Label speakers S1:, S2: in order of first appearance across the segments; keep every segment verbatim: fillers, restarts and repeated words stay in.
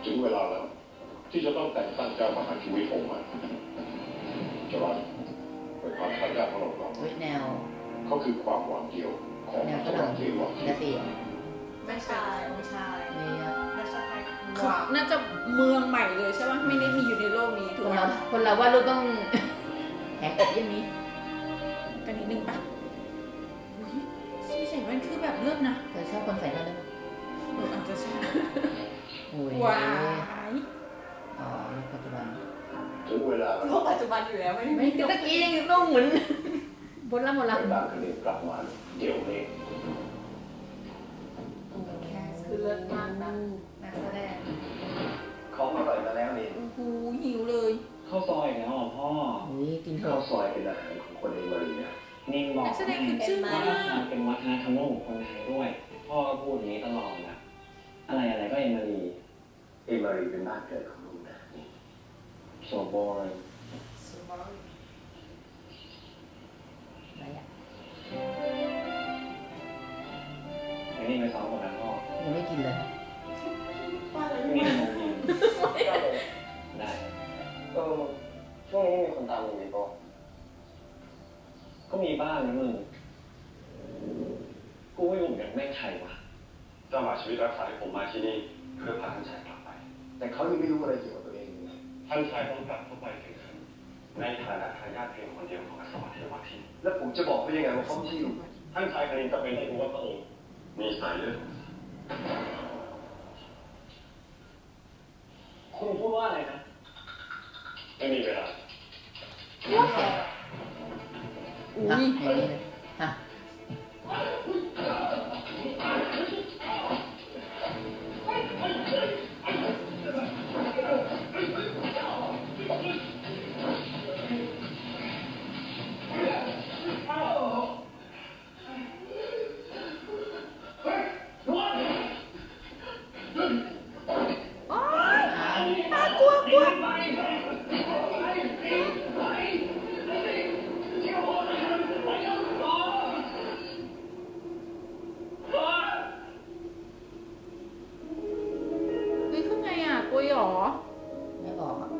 S1: ถึงเวลาแล้วที่จะต้องแต่งตั้งเจ้ามหาชีวิตองค์ใหม่จะรักไปหาทายาทของเราก่อน
S2: แนว
S1: เขาคือความหวังเดียวของสวรรค์เทวะ
S2: นาซี
S3: ไม่ใช่ไม่ใช่น่าจะ
S4: คือน่าจะเมืองใหม่เลยใช่ไหมไม่ได้มีอยู่ในโลกนี้ถูกไหม
S2: คนเราว่าลูกต้องแหกอกอย่างนี้
S4: กันนิดนึงปะสีใส่แว่นคือแบบเลิศนะ
S2: เธอชอบคนใส่แว่นด้วย
S4: เอออาจจะใช่
S2: ว้ายอ๋อในปัจจุบัน
S1: ถึงเวลา
S3: โลกปัจจุบันอยู่แล้วไม่
S2: ไม่ตะกี้ยังต้องหมุนบนละบนละ
S1: เวลาคืนนี้กลับมาเดี๋ยวนี้
S3: แคสคือเลิศมากนะนักแสดง
S1: ของอร่อยมาแล้วนี่
S4: โอ้โหหิวเลย
S5: ข้าวซอยแล้วอ่ะพ่อ
S2: อุ้ยกินเถอะ
S1: ข้าวซอยเป็นอาหารของคนเอมารีเนี่ย
S5: นิ่งบอก
S4: นักแสดงคือชื่อ
S5: ว่าเป็นวัฒนธรรมของคนไทยด้วยพ่อก็พูดอย่างนี้ตลอดนะอะไรอะไรก็เอมารี
S1: เอมารีเป็นบ้านเกิดของลูกนะ
S5: โซบอย
S2: อะไรอ่ะ
S5: ไอ้นี่ไปซ้อมหมดแล้วพ่อ
S2: ยังไม่กินเลย
S5: นี่มองยิงได้
S1: เออช่วงนี้มีคนตามมึงไหมพ่อ
S5: ก็มีบ้างนะมึงกูไม่รู้เหมือนกันแม่งใครวะ
S1: เจ้าหมาชีวิตรักษาให้ผมมาที่นี่เพื่อพาท่านชายกลับไปแต่เขายังไม่รู้อะไรเกี่ยวกับตัวเองเลยท่านชายต้องกลับเข้าไปถึงในฐานะทายาทเพียงคนเดียวของอัศวเทวทินแล้วผมจะบอกเขายังไงว่าเขาไม่ใช่ลูกท่านชายคณินจะเป็นให้รู้ว่าพระองค์มีสายเลือด
S5: คุณพูดว่าอะไรนะ
S1: ไม่มีเวลา
S2: อุ้ยอย่างนี้เลยฮะไม่บอกอ่ะ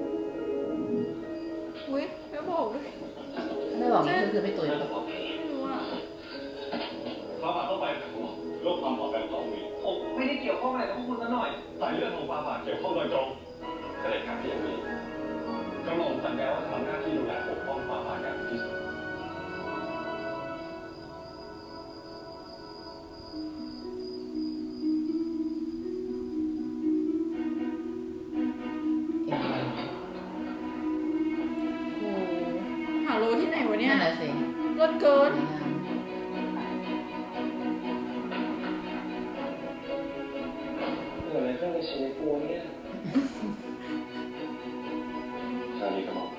S4: อุ้ยไม่บอกด้วย
S2: ไม่บอกนี่คือไม่ตุยแล้ว
S4: ไม่รู้อ่ะ
S1: ฟ้าบาทต้องไปโรคความปลอดภัยของมี
S5: ผมไม่ได้เกี่ยวข้องอะไรกับคุณซะหน่อย
S1: สายเลือดของฟ้าบาทเกี่ยวข้องโดยตรงเสด็จการที่ยังมีกระหม่อมสัญญาว่าจะทำหน้าที่ดูแลปกป้องฟ้าบาทอย่างที่สุด
S4: หาโลที่ไหนวะเนี่ย
S2: นั่นแหละสิ
S4: รถเกิน
S5: เกิดอะไรขึ้นในชีวิตกูเนี่ย
S1: ชาลีกระหม่อม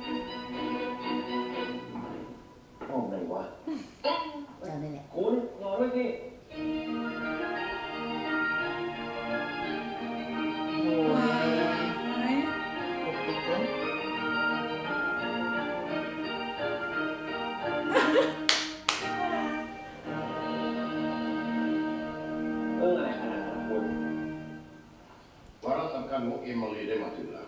S5: โอ้ไหนวะ
S2: จำได้แหละ
S5: คุณรอด้วยสิ
S2: โอ้ยปกปิดเกิน
S5: เรื่องอะไรขนาดนั้นคุณ
S1: วาระสำคัญของเอมิลีได้มาถึงแล้ว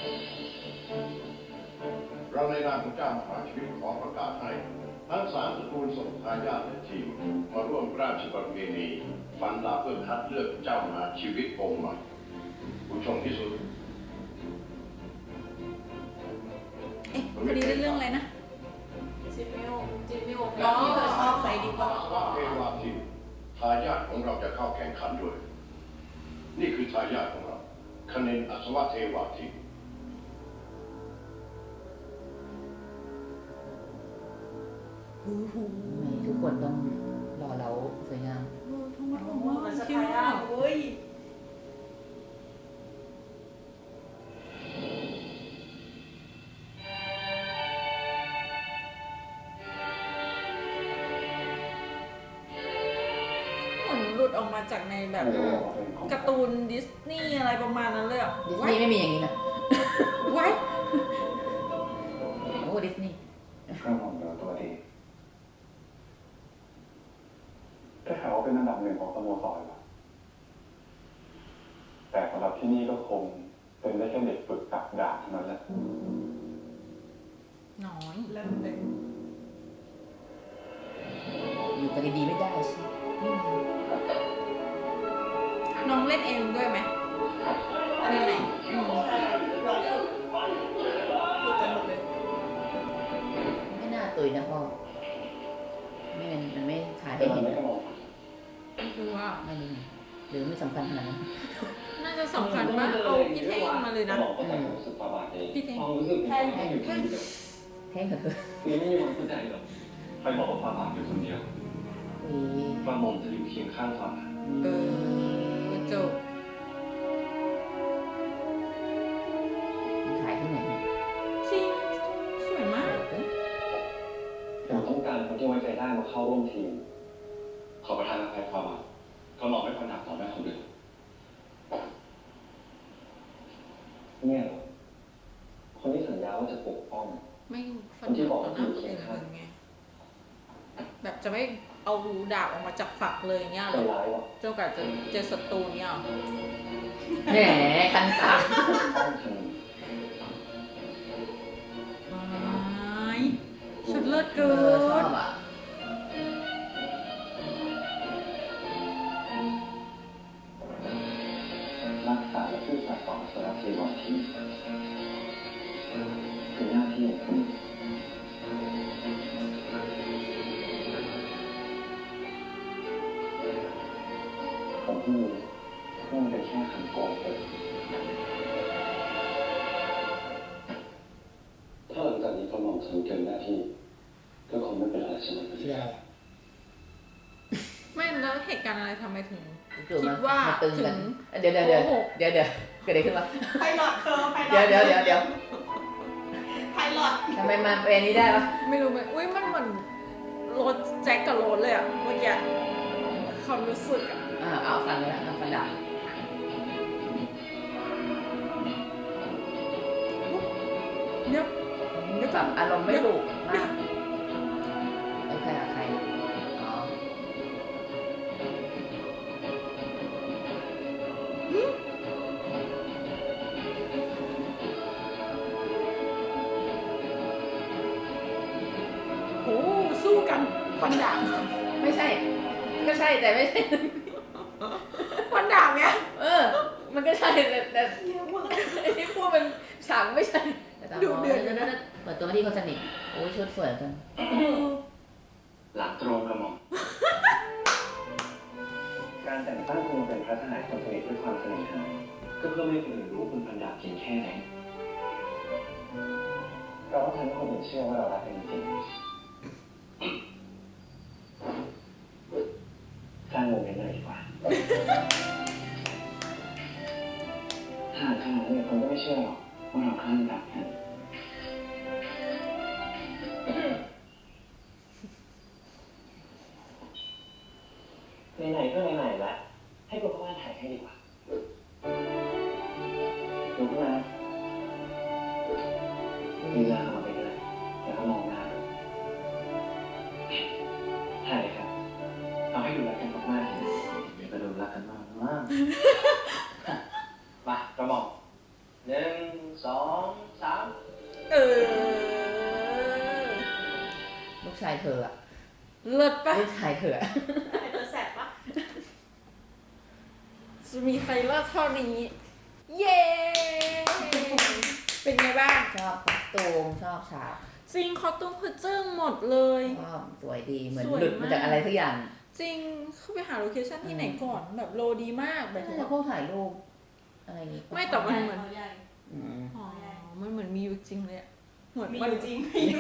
S1: เราในนามของเจ้ามหาชีวิตขอประกาศให้ทั้งสามตระกูลส่งทายาทและทีมมาร่วมราชประเพณีฟันดาบเพื่อคัดเลือกเจ้ามหาชีวิตองค์ใหม่ผู้ชมที่สุด
S4: เอ๊ะพอดีเรื่องอะไรนะ
S3: จิมมิโอจิมมิโอแล้วที่เธอชอบใส่ดีกว่า
S1: ว่าเทวาทินทายาทของเราจะเข้าแข่งขันด้วยนี่คือทายาทของเราคเนนอัศวเทวาทิน
S2: ทุกคนต้องรอเราสวยงาม
S4: ทุ่งมาทุ่งมา
S3: มันจะทายาทเว้ย
S4: หลุดออกมาจากในแบบการ์ตูนดิสนีย์อะไรประมาณนั้นเลยอ่ะ
S2: ดิสนีย์ไม่มีอย่างนี้นะ
S4: ไว้
S2: โอ้ดิสนีย์
S5: กระหม่อมเราตัวดีได้ข่าวว่าเป็นอันดับหนึ่งของสโมสรเหรอ
S1: แต่สำหรับที่นี่ก็คงเป็นได้แค่เด็กฝึกตักดาบเท่านั้นแหละ
S4: น้อย
S3: เริ่มเป็น
S2: อยู่กันดีๆไม่ได้สิ
S4: น้องเล่นเองด้วยไหมอะไรไหนอืม
S3: ใช่เราฝึกฝึกกันหมดเลย
S2: ไม่น่าตุยนะพ่อไม่มันมันไม่ถ่าย
S5: แต่
S2: ให้
S5: มัน
S2: เห็น
S5: ไม่กระบอก
S4: ไม่รู้ว่า
S2: ไม่นี่หรือไม่สำคัญขนาดนั้น
S4: น่าจะสำคัญมากเอาพี่เท่งมาเลยนะ
S5: บอกก็แต่ความรู้สึกประมาทเอง
S4: พี่เท่ง
S5: ความรู้สึกแค่แค่อยู่คนเดียว
S2: แท่งเถอะ
S5: คือไม่มีวันเข้าใจหรอก
S1: ใครบอกว่าความบาปอยู่คนเดียว
S2: วี
S1: กระหม่อมจะอยู่เคียงข้างความบาป
S4: เออจบ
S2: ถ่ายที่ไหนเนี่ย
S4: จริงสวยมาก
S5: เราต้องการคนที่ไว้ใจได้มาเข้าร่วมทีม
S1: ขอประทานอภัยความบาปกระหม่อมไม่ควรหนักต่อแม่คนเดียว
S5: เนี่ยเหรอคนที่สัญญาว่าจะปกป้อง
S4: ไม่ฟันธงต่อหน้าคนอื่นเลยไงแบบจะไม่เอาดาบออกมาจากฝักเลยเงี้ย
S5: ใจ
S4: หรอ
S5: ร้ายวะ
S4: เจ้ากัดจะเจอศัตรูเงี้ยหรอ
S2: แหมคันตา
S5: ต้องท
S4: ไม่สุดเลิศ
S2: เอ
S4: เกิ
S2: อชอน บอ่ะ
S5: ำรักษาและซื่อสัตย์ต่อสารเทวทีคือหน้าที่ของคุณผมเพิ่งรู้ว่ามันเป็นแค่คำโกงเอง
S1: ถ้าหลังจากนี้กระหม่อมทำเกินหน้าที่ก็คงไม่เป็นอะไรใช่ไหม
S2: คืออะไร
S4: ไม่แล้วเหตุการณ์อะไรทำไมถึง
S2: จู่ๆ
S4: คิ
S2: มา
S4: ดว่า
S2: มาตึงกัน
S4: ถึง
S2: เดี๋ยวเดี๋ยวเดี๋ยว
S4: โกหก
S2: เดี๋ยวเดี๋ยวเกิดอะไรขึ้นวะ
S3: ไพลอตเธอไพลอต
S2: เดี๋ยวเดี๋ยวเดี๋ยวเดี๋ยว
S3: ไพลอต
S2: ทำไมมาเป็นนี้ได้วะ
S4: ไม่รู้ไหมอุ้ยมันเหมือนรถแจ็คกับรถเลยอะเมื่อกี้ความรู้สึกอะ
S2: อ่าเอาฟังเลยนะฟังดับ
S4: เดี๋ยว
S2: นี่แบบอารมณ์ไม่ถูกมากโอเคอะใครอ๋อ
S4: โอ้สู้กันฟันดาบ
S2: ไม่ใช่ ก็ใช่แต่ไม่ใช่
S4: ฟันดาบเนี้ย
S2: เออ มันก็ใช่แต่แต่ไอ้ที่พูดมันฉากไม่ใช่แต่ตาม
S4: ดูเดือดอยู่นะ
S2: เปิดตัวมาที่คนสนิทโอ้ยชุดสวยจัง
S1: หลังตรงกระหม่อม
S5: การแต่งตั้งคุณมาเป็นพระทหารคนสนิทด้วยความสนิทหาก็เพื่อไม่ให้คนอื่นรู้คุณพันดาบเพียงแค่ไหนเราต้องทำให้คนอื่นเชื่อว่าเรารักกันจริงสร้างโมเมนต์เลยดีกว่าถ้าขนาดนี้คนก็ไม่เชื่อหรอกว่าเราคลั่งรักกันไหนๆก็ไหนๆแล้วให้คุณพ่อถ่ายให้ดีกว่าดูขึ้นมามีหน้าเข้ามาไปเลยแล้วก็มองหน้าถ่ายเลยครับเอาให้ดูรักกันมากๆเดี๋ยวก็ดูรักกันมากมากมากระหม่อมหนึ่งสองสาม
S4: เออ
S2: ลูกชายเธออะ
S4: เลิศปะ
S2: ลูกชายเธออะ
S3: ไอตัวแสบปะ
S4: จะมีใครเลิศเท่านี้ เย้ เป็นไงบ้าง
S2: ชอบคอสตูมชอบฉาก
S4: จริงคอตุ้มคือจึ้งหมดเลย
S2: ชอบสวยดีเหมือน
S4: สวย
S2: หลุดมาจาก
S4: มาก
S2: อะไรสักอย่าง
S4: จริงเข้าไปหาโลเคชั่นที่ไหนก่อนแบบโลดีมากแบบ
S2: น่าจะพวกถ่ายรูปอะไรอย่างงี้
S4: ไม่แต่มันเหมือน
S3: ใหญ่
S2: อืม
S4: อ๋อมันเหมือนมีอยู่จริงเลยอะเหมือน
S3: มี
S4: มั
S3: อน ยู่จริง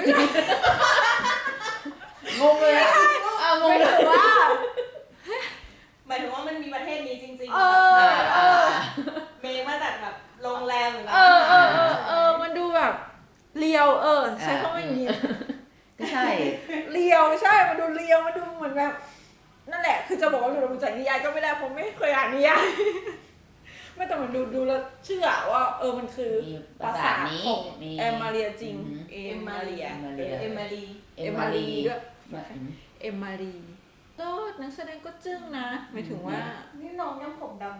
S2: งงเลยอะอ้าวงง
S4: ไม่
S2: เลย
S4: ถือว่า
S3: หมายถึงว่ามันมีประเทศนี้จริง
S4: เอ
S3: ๆ
S4: อ
S2: อ่า
S4: เอ
S2: อ่า
S4: อ
S3: เมย์มาจากแบบโรงแรมหรือ
S4: เออเออเออเออมันดูแบบเรียวเออใช้คำว่าอย่างนี้
S2: ก็ใช่
S4: เรียวใช่ มันดูเรียว มันดูเหมือนแบบ นั่นแหละ คือจะบอกว่าดูจากนิยายก็ไม่ได้ผมไม่เคยอ่านนิยาย ไม่แต่มันดูดูแล้วเชื่อว่าเออมันคือ
S2: มี
S4: ป
S2: ภา
S4: รา
S2: ษา
S4: สาท
S2: นี้
S4: ของ
S2: มี
S4: แอมมาเรียจริง
S2: อืม
S4: เอมมาเรีย
S2: เอมมาเรีย
S3: เอมมารี
S4: เอมมารีด้วย
S2: อืม
S4: เอมมารีก็นักแสดงก็จึ้งนะหมายถึงว่า
S3: นี่น้องยังผมดำนะ
S4: อ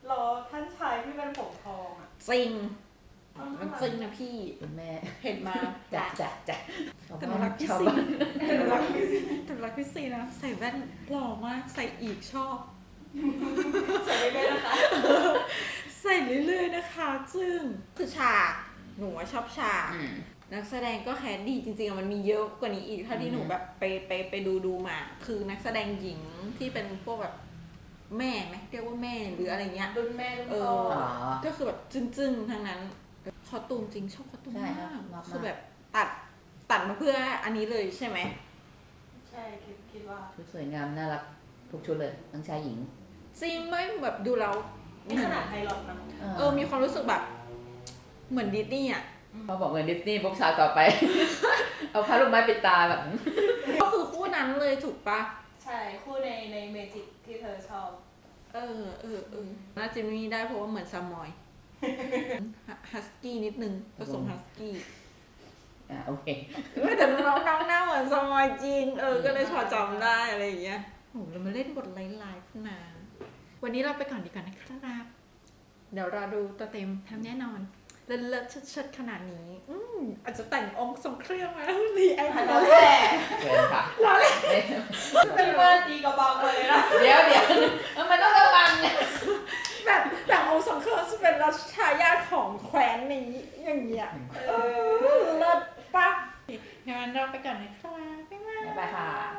S3: รอท่านชายที่เป็นผมทองอ่ะ
S4: จริงมันจริงนะพี่
S2: คุณแม่
S4: เห็นมา
S2: จัดจัดจัด
S4: แต่หนูรักพี่
S2: ชาว
S4: ซี
S2: บ้าน
S4: แต่หนูรักพี่ซีแต่หนูรักพี่ซีนะใส่แว่นหล่อมากใส่อีกชอบ
S3: ใส่ไปเลยนะคะ
S4: ใส่เรื่อยๆนะคะ ซึ่งคือฉากหนูอะชอบฉาก
S2: อืม
S4: นักแสดงก็แคสดีจริงๆอะมันมีเยอะกว่านี้อีกเท่าที่หนูแบบไปไปไปดูดูมา คือนักแสดงหญิงที่เป็นพวกแบบแม่ไหมเรียกว่าแม่หรืออะไรเงี้ย
S3: รุ่นแม่รุ่น
S4: เอ
S3: พ่อ
S4: อ
S2: อ๋อ
S4: ก็คือแบบจึ้งๆทั้งนั้นคอตูมจริงชอบคอตูม
S2: ใช่
S4: มาก
S2: ครับมากๆ
S4: คือแบบตัดตัดมาเพื่ออันนี้เลยใช่ไหม
S3: ใช่คิดคิดว่า
S2: ชุดสวยงามน่ารักทุกชุดเลยทั้งชายหญิง
S4: จริงไม่แบบดูแล้ว
S3: นี่ขนาดไทยหลอดนะ
S4: เออมีความรู้สึกแบบ เหมือนดิสนีย์อ่ะ
S2: เขาบอกเงินดิสนีย์ปุ๊บฉากต่อไป เอาผ้าลูกไม้ปิดตาแบบ
S4: ก็คือคู่นั้นเลยถูกปะ
S3: ใช่คู่ในในเมจิกที่เธอชอบ
S4: เออเออเออน่าจะมีได้เพราะว่าเหมือนซามอยฮัสกี้นิดนึงผสมฮัสกี้
S2: อ่าโอเค
S4: ไม่แต่น้องน้องหน้าเหมือนซามอยจริงเออก็เลยพอจำได้อะไรอย่างเงี้ยโหเรามาเล่นบทไลฟ์ๆขึ้นมาวันนี้เราไปก่อนดีกว่านะครับเดี๋ยวเราดูตัวเต็มทำแน่นอนเลิศเลิศเชิดๆขนาดนี้อืมอาจจะแต่งองค์ทรงเครื่องมารีแอค
S3: อัน
S4: มา
S3: นั้น
S4: เลย
S3: แหละ
S2: เชิญค่ะ
S3: เป็นเบอร์ตีกระบอกเลยนะ
S2: เดี๋ยวเดี๋ยวมันต้องระวังไง
S4: แบบแต่องค์ทรงเครื่องจะเป็นรัชทายาทของแคว้นนี้อย่างเงี้ยเออเลิศปะงั้นเราไปก่อนนะครับบ๊ายบาย
S2: บ๊ายบายค่ะ